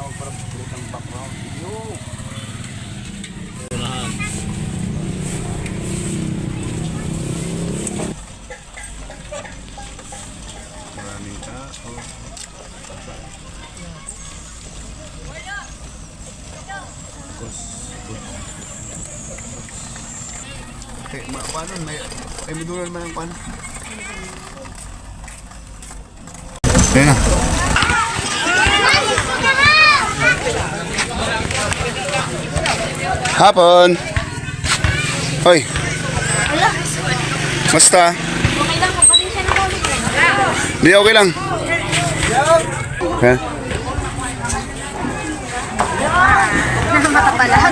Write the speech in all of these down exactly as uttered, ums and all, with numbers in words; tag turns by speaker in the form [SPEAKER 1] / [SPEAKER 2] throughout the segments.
[SPEAKER 1] Maraming tao. Okay, ma paano? May, may madulan man ang pan. Ayan na. Hapon. Hoy. Basta.
[SPEAKER 2] Okay lang, magpatensya na ulit.
[SPEAKER 1] Hindi, okay lang. Okay.
[SPEAKER 2] Matapalag.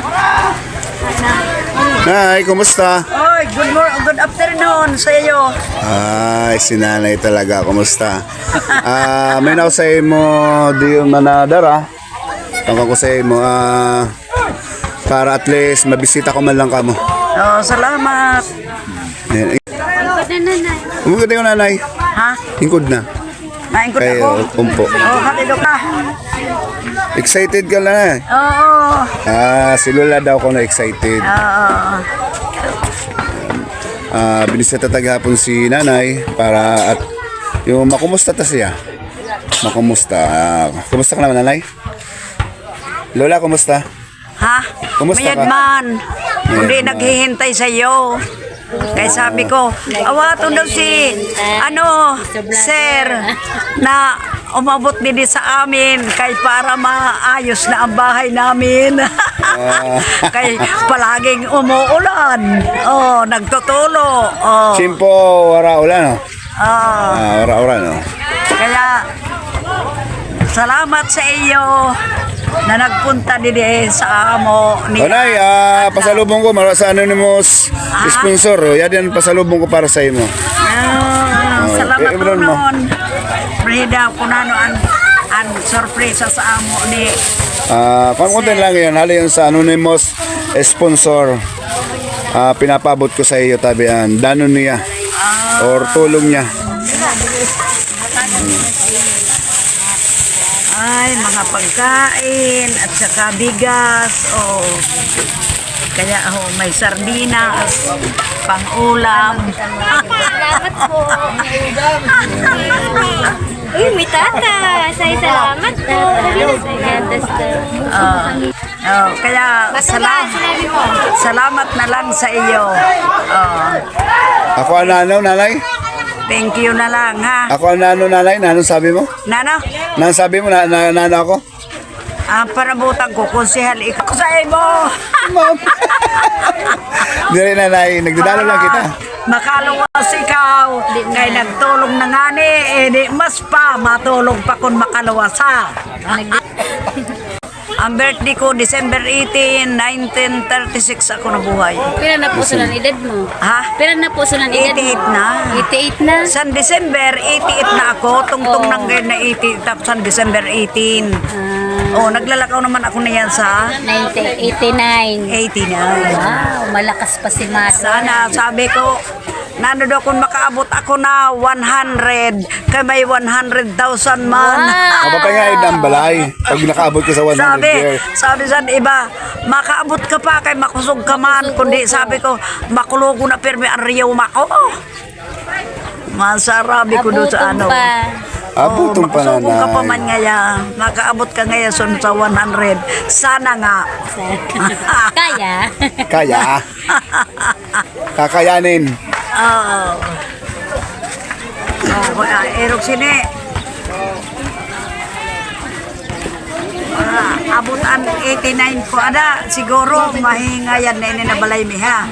[SPEAKER 1] Nay, kumusta?
[SPEAKER 3] Oy, good morning, good afternoon sa iyo.
[SPEAKER 1] Ay, si nanay talaga. Kumusta? Ah, may nausay mo di manadara. Tangka ko sa mo ah para at least mabisita ko man lang kamo.
[SPEAKER 3] Oh, salamat.
[SPEAKER 1] Ayan.
[SPEAKER 2] Ikot na nanay.
[SPEAKER 1] Umugod yung nanay.
[SPEAKER 3] Ha?
[SPEAKER 1] Hingkod na.
[SPEAKER 3] Naingkot
[SPEAKER 1] Kay
[SPEAKER 3] ako.
[SPEAKER 1] umpo.
[SPEAKER 3] Oh, hatidok na.
[SPEAKER 1] Excited ka na eh.
[SPEAKER 3] Oo.
[SPEAKER 1] Ah, si Lola daw ko na excited.
[SPEAKER 3] Oo.
[SPEAKER 1] Ah, binisita taghapon si nanay para at yung makumusta ta siya. Makumusta. Ah, kumusta ka naman nanay? Lola, kumusta?
[SPEAKER 3] Ha?
[SPEAKER 1] Kumusta ka?
[SPEAKER 3] Mayad man. Hindi
[SPEAKER 1] Mayad man.
[SPEAKER 3] naghihintay sa iyo. Kaya sabi ko, awato daw si, ano, sir, na umabot din sa amin kay para maayos na ang bahay namin. Kay palaging umuulan. Oh, nagtutulo. Oh.
[SPEAKER 1] Simpo, wara ulan, no?
[SPEAKER 3] Oh.
[SPEAKER 1] Ah, wara ulan, no?
[SPEAKER 3] Kaya, salamat sa iyo na nagpunta din eh sa amo ni
[SPEAKER 1] O nay, ah, pasalubong ko mara sa anonymous sponsor. O, yan yan pasalubong ko para sa imo.
[SPEAKER 3] Ah,
[SPEAKER 1] Oh,
[SPEAKER 3] salamat
[SPEAKER 1] eh,
[SPEAKER 3] po
[SPEAKER 1] meron mo.
[SPEAKER 3] noon. Frida, kunano an, an sorpresa sa amo ni
[SPEAKER 1] Ah, pang-content lang yan. Hali yan sa anonymous sponsor. Ah, pinapabot ko sa iyo tabian. Danon niya. Or tulong niya.
[SPEAKER 3] ay mga pagkain at saka bigas. Oh. Kaya oh, may sardinas, pang-ulam.
[SPEAKER 2] Salamat po. Uy, may tata. Say salamat po.
[SPEAKER 3] Oh. Oh, kaya salam, salamat na lang sa iyo. Oh.
[SPEAKER 1] Ako ang nanaw, nanay?
[SPEAKER 3] Thank you na lang ha.
[SPEAKER 1] Ako ang nanaw, nanay? Nanong sabi mo?
[SPEAKER 3] Nano?
[SPEAKER 1] Nanong sabi mo na, na nanaw ako?
[SPEAKER 3] Ah, parabutan ko konsehal ikaw sa imo.
[SPEAKER 1] Ma'am. Hindi rin, nanay. Nagdadalo lang kita.
[SPEAKER 3] Makaluwas ikaw. Kay nagtulong na nga ni, eh, di mas pa matulog pa kung makaluwas ha. Ang birthday ko, December eighteen, nineteen thirty-six ako nabuhay.
[SPEAKER 2] Pira na po sulan edad mo?
[SPEAKER 3] Ha?
[SPEAKER 2] Pira na po sulan edad mo?
[SPEAKER 3] eighty-eight na.
[SPEAKER 2] eighty-eight na?
[SPEAKER 3] Sa December, eighty-eight na ako. Tungtong
[SPEAKER 2] Oh.
[SPEAKER 3] nang ngayon na eighty, tapos sa December eighteen. Oh, naglalakaw naman ako na yan sa
[SPEAKER 2] nineteen eighty-nine.
[SPEAKER 3] eighty-nine.
[SPEAKER 2] Wow, malakas pa si Mata.
[SPEAKER 3] Sana, sabi ko, nano daw kung makaabot ako na one hundred, kay may one hundred thousand man.
[SPEAKER 2] Wow.
[SPEAKER 1] Kapapay nga yun ang balay. Pag nakaabot ka sa one hundred
[SPEAKER 3] Sabi,
[SPEAKER 1] years.
[SPEAKER 3] sabi sa iba, makaabot ka pa kay makusog ka man. Kundi sabi ko, makulogo na pirmi ang riyaw mako. Masarabi ko doon sa ano.
[SPEAKER 2] pa.
[SPEAKER 1] Abutong pa,
[SPEAKER 3] makusog ka pa
[SPEAKER 1] nanay.
[SPEAKER 3] man ngaya. Makaabot ka ngaya son sa one hundred. Sana nga.
[SPEAKER 2] Kaya?
[SPEAKER 1] Kaya. Kakayanin.
[SPEAKER 3] Oo. Oh, uh, erok sini. Ah, abot ang eighty-nine ko ada siguro mahingayan na ini na balay mi ha.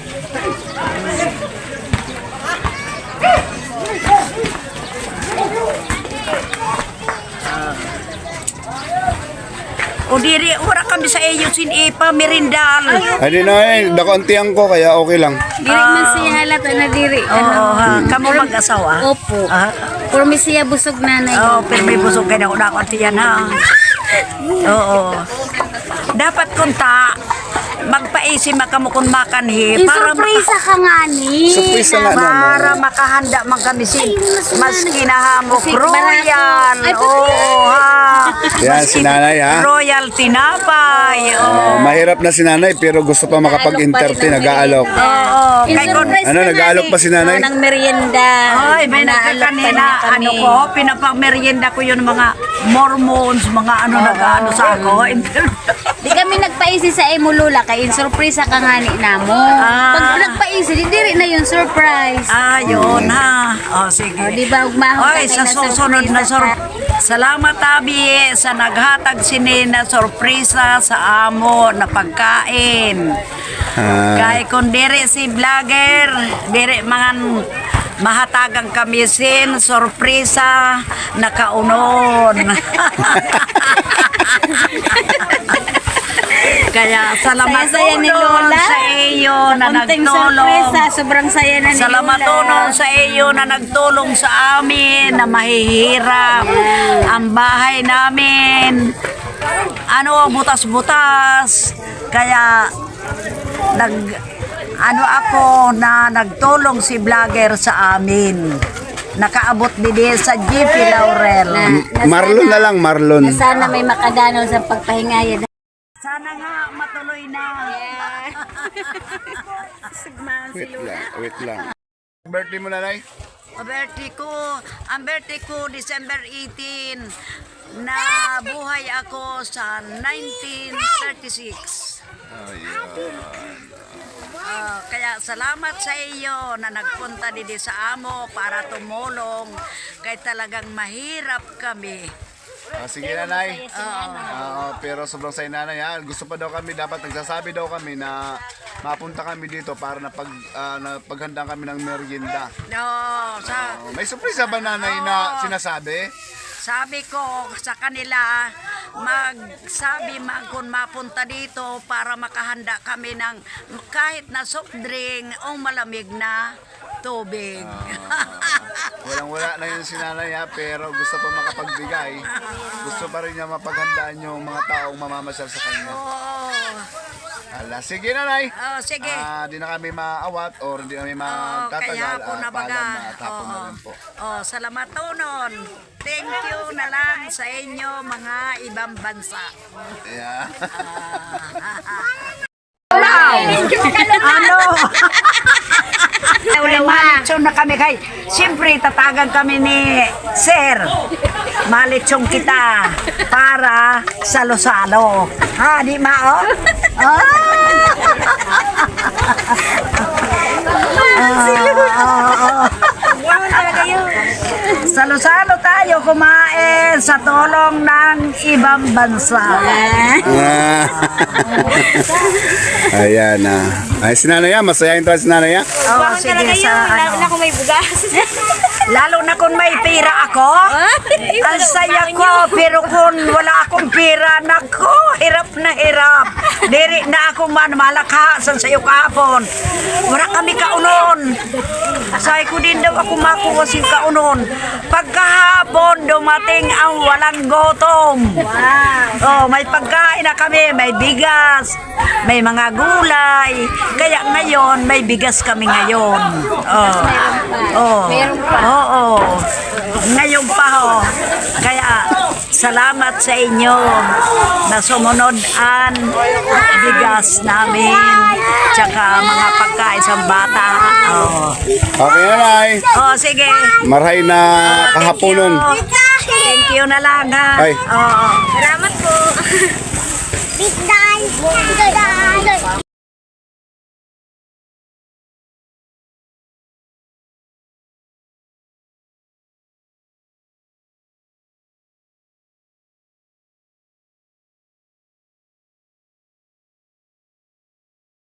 [SPEAKER 3] O diri ora kami sa iyo sin ipa merindal.
[SPEAKER 1] Hindi na eh. Dakontiyan ko kaya okay lang.
[SPEAKER 2] Diri man siya halata na diri.
[SPEAKER 3] Oo ha, kamo mag-asawa.
[SPEAKER 2] Opo.
[SPEAKER 3] Ah,
[SPEAKER 2] Pero may siya busog nanay.
[SPEAKER 3] oh, pero may busog kay na ako tiyan ha. Oo. Dapat kunta magpaisi makamukon makanhi para
[SPEAKER 2] Surprise ka nga ni.
[SPEAKER 1] Surprise nga
[SPEAKER 3] para
[SPEAKER 1] naman.
[SPEAKER 3] makahanda man kami sin mas kinahamok
[SPEAKER 2] Kasi
[SPEAKER 3] royal.
[SPEAKER 2] Ay,
[SPEAKER 3] Oo ha.
[SPEAKER 1] Yan, si nanay ha.
[SPEAKER 3] Royal Tinapay.
[SPEAKER 1] Oh, mahirap na si nanay pero gusto pa makapag-entertain, nag-aalok.
[SPEAKER 3] Oo, kay kon
[SPEAKER 1] Ano, nag-aalok pa si nanay?
[SPEAKER 2] ng merienda.
[SPEAKER 3] Ay, may nagkakanina, ano ko, pinapamerienda ko yung mga Mormons, mga ano nag-ano sa ako.
[SPEAKER 2] Di kami nagpaisi sa Emulula kay in surprise ka nga ni namo.
[SPEAKER 3] Ah.
[SPEAKER 2] Pag nagpaisi, di diri na yung surprise.
[SPEAKER 3] Ayun ha. O, sige.
[SPEAKER 2] O, di ba, ugmahon
[SPEAKER 3] Oy,
[SPEAKER 2] ka
[SPEAKER 3] sa
[SPEAKER 2] kay
[SPEAKER 3] susunod na sur
[SPEAKER 2] surprise
[SPEAKER 3] Salamat Abi sa naghatag sini na sorpresa sa amo na pagkain.
[SPEAKER 1] Ah,
[SPEAKER 3] Kay kung dire si vlogger, dire mangan mahatagang kamisin, sorpresa, nakaunon. Kaya salamat
[SPEAKER 2] Saya-saya ni
[SPEAKER 3] tulong
[SPEAKER 2] Lola.
[SPEAKER 3] sa iyo na
[SPEAKER 2] Konting
[SPEAKER 3] nagtulong.
[SPEAKER 2] surpresa, sobrang saya na ni
[SPEAKER 3] Salamat
[SPEAKER 2] Lola.
[SPEAKER 3] tulong sa iyo na nagtulong sa amin na mahihirap ang bahay namin. Ano, butas-butas. Kaya nag ano ako na nagtulong si vlogger sa amin. Nakaabot din sa G P Laurel.
[SPEAKER 1] Marlon na lang, Marlon.
[SPEAKER 2] Na sana may makadanaw sa pagpahingaya.
[SPEAKER 3] Sana nga matuloy na.
[SPEAKER 1] Wait lang, wait lang. Birthday mo nanay?
[SPEAKER 3] Ang birthday ko, ang birthday ko December eighteen, na buhay ako sa nineteen thirty-six. Ah, kaya salamat sa iyo na nagpunta dito sa amo para tumulong kay talagang mahirap kami.
[SPEAKER 1] Ah, sige nanay. Oo, pero sobrang say nanay ha. Gusto pa daw kami, dapat nagsasabi daw kami na mapunta kami dito para na pag ah, na paghanda kami ng merienda.
[SPEAKER 3] No, sa
[SPEAKER 1] Oh, may surprise ba nanay na sinasabi?
[SPEAKER 3] Sabi ko sa kanila, magsabi man kung mapunta dito para makahanda kami ng kahit na soft drink o malamig na tubig.
[SPEAKER 1] Walang wala na yun si nanay ha, pero gusto pa makapagbigay. Gusto pa rin niya mapaghandaan yung mga taong mamamasyal sa kanya.
[SPEAKER 3] Oo.
[SPEAKER 1] Ala, sige nanay.
[SPEAKER 3] Oh, sige.
[SPEAKER 1] Ah, di na kami maawat or di kami
[SPEAKER 3] Oh,
[SPEAKER 1] magtatagal.
[SPEAKER 3] kaya po
[SPEAKER 1] Ah,
[SPEAKER 3] na baga.
[SPEAKER 1] paalam na, tapon na
[SPEAKER 3] Oo.
[SPEAKER 1] rin po.
[SPEAKER 3] Oh, salamat tunon. Thank you na lang sa inyo mga ibang bansa.
[SPEAKER 1] Yeah.
[SPEAKER 3] Ano? Malitsyon na kami kay. Siyempre, tatagan kami ni Sir. Malitsyon kita para salo-salo. Ha, di ma, oh? Ah! Salo-salo tayo kumain sa tulong ng ibang bansa.
[SPEAKER 1] Ah. Ayan na. Ay, si nanay ah, masayahin tayo si nanay ah.
[SPEAKER 3] Oh, sige sa ano.
[SPEAKER 2] kung may bugas.
[SPEAKER 3] Lalo na kung may pira ako. Ang saya ko, pero kung wala akong pira, nako, hirap na hirap. Diri na ako man malakasan sa iyo kahapon. Wala kami kaunon. Say ko din daw ako makuha si kaunon. Pagkahapon, dumating ang walang gutom. Oh, may pagkain na kami, may bigas, may mga gulay. Kaya ngayon, may bigas kami ngayon. Oh. Oh. Oo. Ngayon pa ho. Kaya salamat sa inyo na sumunod ang bigas namin tsaka mga pagkain sa bata. Oh.
[SPEAKER 1] Okay nanay.
[SPEAKER 3] Oh, sige.
[SPEAKER 1] Marhay na kahaponon.
[SPEAKER 3] Thank you. Thank you na lang ha.
[SPEAKER 1] Ay.
[SPEAKER 3] Oo.
[SPEAKER 2] Salamat po. Big day. Big day.